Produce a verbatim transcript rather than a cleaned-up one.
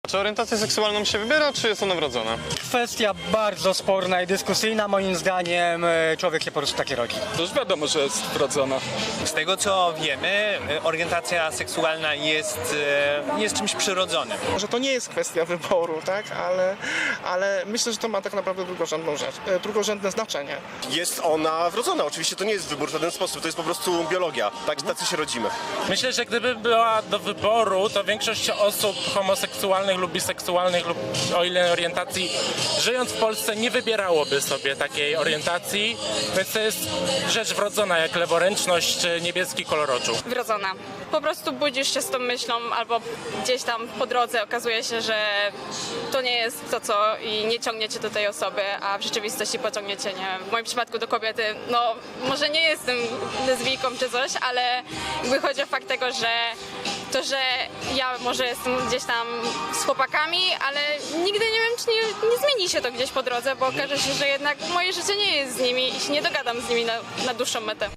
Czy orientację seksualną się wybiera, czy jest ona wrodzona? Kwestia bardzo sporna i dyskusyjna. Moim zdaniem e, człowiek się po prostu takie rodzi. To już wiadomo, że jest wrodzona. Z tego co wiemy, orientacja seksualna jest, jest czymś przyrodzonym. Że to nie jest kwestia wyboru, tak? Ale, ale myślę, że to ma tak naprawdę drugorzędną rzecz, e, drugorzędne znaczenie. Jest ona wrodzona, oczywiście to nie jest wybór w żaden sposób, to jest po prostu biologia, tak, tacy się rodzimy. Myślę, że gdyby była do wyboru, to większość osób homoseksualnych lub biseksualnych lub o ile orientacji, żyjąc w Polsce, nie wybierałoby sobie takiej orientacji, więc to jest rzecz wrodzona, jak leworęczność czy niebieski kolor oczu. Wrodzona. Po prostu budzisz się z tą myślą albo gdzieś tam po drodze okazuje się, że to nie jest to, co i nie ciągnie cię do tej osoby, a w rzeczywistości pociągnie cię, nie wiem, w moim przypadku do kobiety. No, może nie jestem lesbijką czy coś, ale jakby chodzi o fakt tego, że to, że ja może jestem gdzieś tam z chłopakami, ale nigdy nie wiem, czy nie, nie zmieni się to gdzieś po drodze, bo okaże się, że jednak moje życie nie jest z nimi i się nie dogadam z nimi na, na dłuższą metę.